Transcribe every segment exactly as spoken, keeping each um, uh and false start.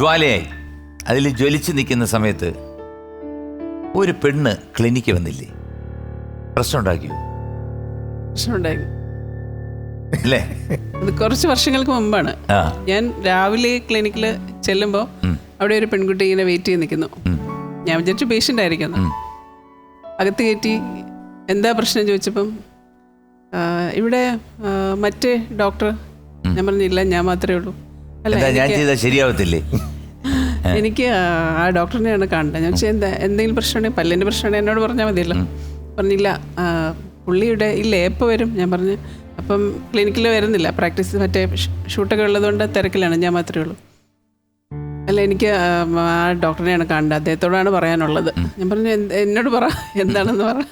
ജ്വാലയായി അതിൽ ജ്വലിച്ച് നിൽക്കുന്ന സമയത്ത് ഒരു പെണ്ണ് ക്ലിനിക്ക് വന്നില്ലേ? പ്രശ്നം ഉണ്ടാക്കിയോ? പ്രശ്നം ഉണ്ടായി അല്ലേ? അത് കുറച്ച് വർഷങ്ങൾക്ക് മുമ്പാണ്. ഞാൻ രാവിലെ ക്ലിനിക്കിൽ ചെല്ലുമ്പോൾ അവിടെ ഒരു പെൺകുട്ടി ഇങ്ങനെ വെയിറ്റ് ചെയ്ത് നിൽക്കുന്നു. ഞാൻ വിചാരിച്ചു പേഷ്യൻ്റ് ആയിരിക്കുന്നു. അകത്ത് കയറ്റി എന്താ പ്രശ്നം ചോദിച്ചപ്പം ഇവിടെ മറ്റേ ഡോക്ടർ. ഞാൻ പറഞ്ഞില്ല, ഞാൻ മാത്രമേ ഉള്ളൂ. അല്ല, ശരിയാവത്തില്ലേ? എനിക്ക് ആ ഡോക്ടറിനെയാണ് കാണേണ്ടത്. ഞാൻ വെച്ചാൽ എന്താ എന്തെങ്കിലും പ്രശ്നമുണ്ടെങ്കിൽ പല്ലിൻ്റെ പ്രശ്നമുണ്ടെങ്കിൽ എന്നോട് പറഞ്ഞാൽ മതിയല്ലോ. പറഞ്ഞില്ല, പുള്ളിയുടെ ഇല്ല എപ്പോൾ വരും? ഞാൻ പറഞ്ഞു അപ്പം ക്ലിനിക്കിൽ വരുന്നില്ല, പ്രാക്ടീസ് മറ്റേ ഷൂട്ടൊക്കെ ഉള്ളതുകൊണ്ട് തിരക്കിലാണ്, ഞാൻ മാത്രമേ ഉള്ളൂ. അല്ല, എനിക്ക് ആ ഡോക്ടറിനെയാണ് കാണേണ്ടത്, അദ്ദേഹത്തോടാണ് പറയാനുള്ളത്. ഞാൻ പറഞ്ഞു എന്നോട് പറ എന്താണെന്ന് പറ.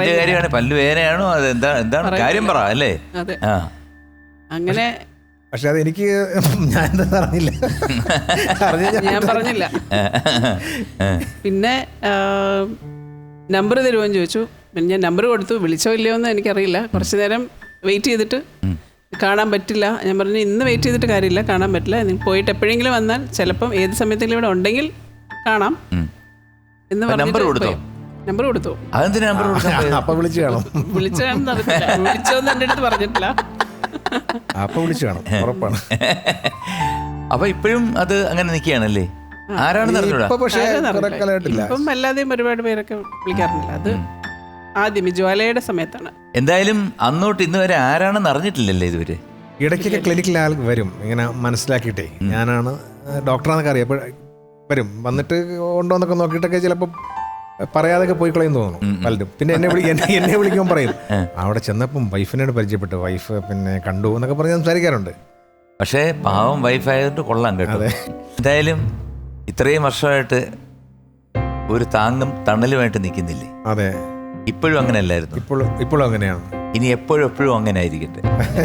അതെ, അങ്ങനെ. പക്ഷെ അതെനിക്ക് ഞാൻ എന്താ പറഞ്ഞില്ല ഞാൻ പറഞ്ഞില്ല. പിന്നെ നമ്പർ തരുമോന്ന് ചോദിച്ചു. പിന്നെ ഞാൻ നമ്പർ കൊടുത്തു. വിളിച്ചോ ഇല്ലയോ എന്ന് എനിക്കറിയില്ല. കുറച്ച് നേരം വെയിറ്റ് ചെയ്തിട്ട് കാണാൻ പറ്റില്ല. ഞാൻ പറഞ്ഞു ഇന്ന് വെയിറ്റ് ചെയ്തിട്ട് കാര്യമില്ല, കാണാൻ പറ്റില്ല. നിങ്ങൾ പോയിട്ട് എപ്പോഴെങ്കിലും വന്നാൽ ചിലപ്പം ഏത് സമയത്തെങ്കിലും ഇവിടെ ഉണ്ടെങ്കിൽ കാണാം എന്ന് പറഞ്ഞു. നമ്പർ കൊടുത്തു. അപ്പൊ വിളിച്ചു കാണും. വിളിച്ചാണെന്ന് അറിയില്ല, വിളിച്ചോന്ന് എൻ്റെ അടുത്ത് പറഞ്ഞിട്ടില്ല. അപ്പൊ വിളിച്ചു കാണും, ഉറപ്പാണ്. അപ്പൊ ഇപ്പോഴും അത് അങ്ങനെ നിൽക്കുകയാണല്ലേ? ആരാണെന്ന് ഇപ്പം അല്ലാതെയും ഒരുപാട് പേരൊക്കെ വിളിക്കാറുണ്ടല്ലോ. അത് ആദ്യം ജ്വാലയുടെ സമയത്താണ്. എന്തായാലും അന്നോട്ട് ഇന്ന് വരെ ആരാണെന്ന് അറിഞ്ഞിട്ടില്ലല്ലേ ഇതുവരെ? ഇടയ്ക്കൊക്കെ ക്ലിനിക്കിൽ ആൾ വരും, ഇങ്ങനെ മനസ്സിലാക്കിയിട്ടേ ഞാനാണ് ഡോക്ടറാന്നൊക്കെ അറിയാം. വരും, വന്നിട്ട് ഉണ്ടോന്നൊക്കെ നോക്കിയിട്ടൊക്കെ ചിലപ്പോൾ പറയാതൊക്കെ പോയി കളയും തോന്നുന്നു പലരും. പിന്നെ എന്നെ വിളി എന്നെ വിളിക്കുമ്പോൾ പറയും അവിടെ ചെന്നപ്പം വൈഫിനോട് പരിചയപ്പെട്ടു, വൈഫ് പിന്നെ കണ്ടു എന്നൊക്കെ പറഞ്ഞ് സംസാരിക്കാറുണ്ട്. പക്ഷേ പാവം വൈഫായതുകൊണ്ട് കൊള്ളാം കേട്ടോ. എന്തായാലും ഇത്രയും വർഷമായിട്ട് ഒരു താങ്ങും തണലുമായിട്ട് നിൽക്കുന്നില്ലേ? അതെ, ഇപ്പോഴും അങ്ങനെയല്ലായിരുന്നു? ഇപ്പോഴും ഇപ്പോഴും അങ്ങനെയാണ്. ഇനി എപ്പോഴും എപ്പോഴും അങ്ങനെ ആയിരിക്കട്ടെ.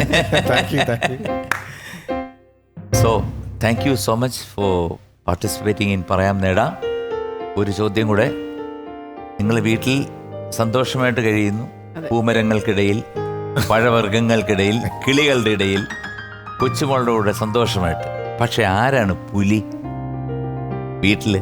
So thank you so much for participating in പറയാം നേടാം. ഒരു ചോദ്യം കൂടെ. നിങ്ങൾ വീട്ടിൽ സന്തോഷമായിട്ട് കഴിയുന്നു, പൂമരങ്ങൾക്കിടയിൽ, പഴവർഗ്ഗങ്ങൾക്കിടയിൽ, കിളികളുടെ ഇടയിൽ, കൊച്ചുമോളുടെ കൂടെ സന്തോഷമായിട്ട്. പക്ഷെ ആരാണ് പുലി വീട്ടില്?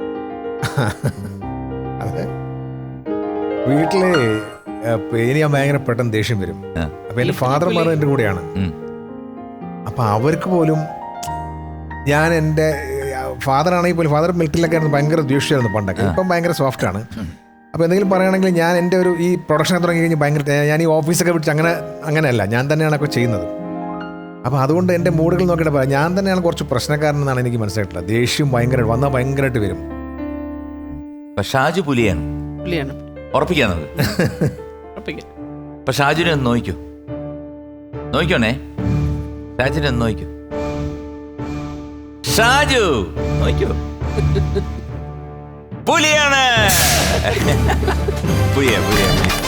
അതെ, വീട്ടില് ഇനി ഞാൻ ഭയങ്കര പെട്ടെന്ന് ദേഷ്യം വരും. അപ്പൊ എന്റെ ഫാദർമാർ എൻ്റെ കൂടെയാണ്. അപ്പൊ അവർക്ക് പോലും ഞാൻ എൻ്റെ ഫാദറാണെങ്കിൽ പോലും, ഫാദർ മിലിറ്ററിലൊക്കെ ആയിരുന്നു, ഭയങ്കര ദേഷ്യമായിരുന്നു പണ്ടൊക്കെ. ഇപ്പം ഭയങ്കര സോഫ്റ്റ് ആണ്. അപ്പോൾ എന്തെങ്കിലും പറയുകയാണെങ്കിൽ ഞാൻ എൻ്റെ ഒരു ഈ പ്രൊഡക്ഷനൊക്കെ തുടങ്ങി കഴിഞ്ഞ് ഭയങ്കര ഞാൻ ഈ ഓഫീസൊക്കെ വിളിച്ച് അങ്ങനെ അങ്ങനെയല്ല, ഞാൻ തന്നെയാണ് ഒക്കെ ചെയ്യുന്നത്. അപ്പോൾ അതുകൊണ്ട് എൻ്റെ മൂഡുകൾ നോക്കിയിട്ട് പറയാം, ഞാൻ തന്നെയാണ് കുറച്ച് പ്രശ്നക്കാരനെന്നാണ് എനിക്ക് മനസ്സിലായിട്ടുള്ളത്. ദേഷ്യം ഭയങ്കര വന്നാൽ ഭയങ്കരമായിട്ട് വരും. ഷാജു പുലിയാണ്. പുലിയാണ് ഉറപ്പിക്കാന്നത്. അപ്പൊ ഷാജുനെ ഒന്ന് നോക്കൂ, നോക്കണേ. ഷാജുനെ ഒന്ന് നോക്കൂ. ഷാജു നോക്കൂ, പുലിയാണ്. പുലിയ പുലിയ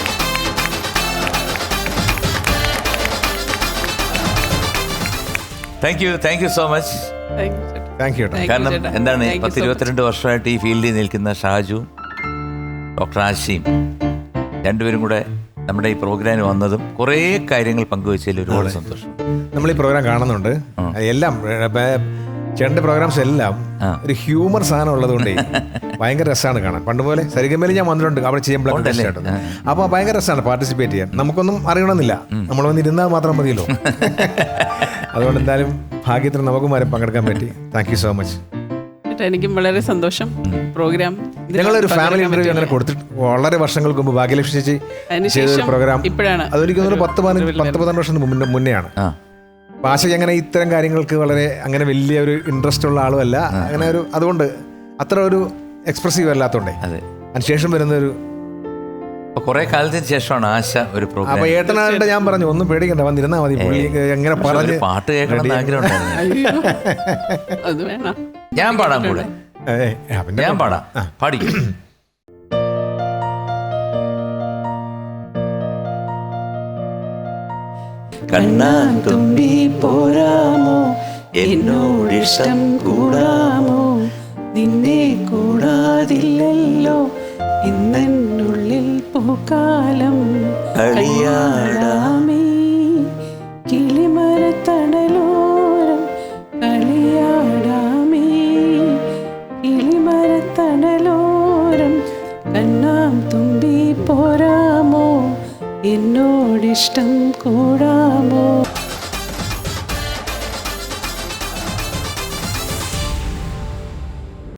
thank you thank you so much. Thank you. കാരണം എന്താണ്, പത്ത് ഇരുപത്തിരണ്ട് വർഷമായിട്ട് ഈ ഫീൽഡിൽ നിൽക്കുന്ന ഷാജു, ഡോക്ടർ ആശിയും രണ്ടുപേരും കൂടെ നമ്മുടെ ഈ പ്രോഗ്രാമിന് വന്നതും കുറേ കാര്യങ്ങൾ പങ്കുവെച്ചതിൽ ഒരുപാട് സന്തോഷം. നമ്മൾ ഈ പ്രോഗ്രാം കാണുന്നുണ്ട്, എല്ലാം ചേട്ടൻ്റെ പ്രോഗ്രാംസ് എല്ലാം ഒരു ഹ്യൂമർ സാധനം ഉള്ളതുകൊണ്ട് ഭയങ്കര രസമാണ് കാണാൻ. പണ്ട് പോലെ സരിഗമയിൽ ഞാൻ വന്നിട്ടുണ്ട്, അവിടെ ചെയ്യുമ്പോഴൊക്കെ. അപ്പോൾ ഭയങ്കര രസമാണ് പാർട്ടിസിപ്പേറ്റ് ചെയ്യാൻ. നമുക്കൊന്നും അറിയണമെന്നില്ല, നമ്മൾ വന്നിരുന്നാൽ മാത്രം മതിയല്ലോ. അതുകൊണ്ട് എന്തായാലും ഭാഗ്യത്തിന് നമുക്കും വരെ പങ്കെടുക്കാൻ പറ്റി. Thank you so much. എനിക്കും വളരെ സന്തോഷം. പ്രോഗ്രാം ഞങ്ങളൊരു ഫാമിലി ഇന്റർവ്യൂ അങ്ങനെ കൊടുത്തിട്ട് വളരെ വർഷങ്ങൾക്ക് മുമ്പ് ഭാഗ്യലക്ഷ്മി ചേച്ചി ചെയ്തൊരു പ്രോഗ്രാം. അതൊരിക്കലും പത്ത് പതിനഞ്ച് പത്ത് പതിനെട്ട് വർഷം മുന്നെയാണ്. ഭാഷയ്ക്ക് അങ്ങനെ ഇത്തരം കാര്യങ്ങൾക്ക് വളരെ അങ്ങനെ വലിയ ഒരു ഇൻട്രസ്റ്റ് ഉള്ള ആളുമല്ല. അങ്ങനെ ഒരു അതുകൊണ്ട് അത്ര ഒരു എക്സ്പ്രസീവ് അല്ലാത്തതുകൊണ്ടേ അതിനുശേഷം വരുന്ന ഒരു കുറെ കാലത്തിന് ശേഷമാണ് ആശ ഒരു പ്രോഗ്രാം. അപ്പൊ ഏട്ടനായിട്ട് ഞാൻ പറഞ്ഞു ഒന്നും പേടിക്കണ്ട, വന്നിരുന്നാ മതി. എങ്ങനെ പറഞ്ഞ് പാട്ട് കേൾക്കണം ആഗ്രഹം ഉണ്ടായിരുന്നു. ഞാൻ പാടാം കൂടെ, ഞാൻ പാടാം, പാടിക്കും. കണ്ണാൻ തുമ്പി പോരാമോ, എന്നോടിഷ്ടം കൂടാമോ, നിന്നെ കൂടാതില്ലല്ലോ ഇന്നുള്ളിൽ പൂക്കാലം. കളിയാടാമേ കിളിമരത്തണലോരം, കളിയാടാമേ എന്നോടിഷ്ടം കൂടാമോ.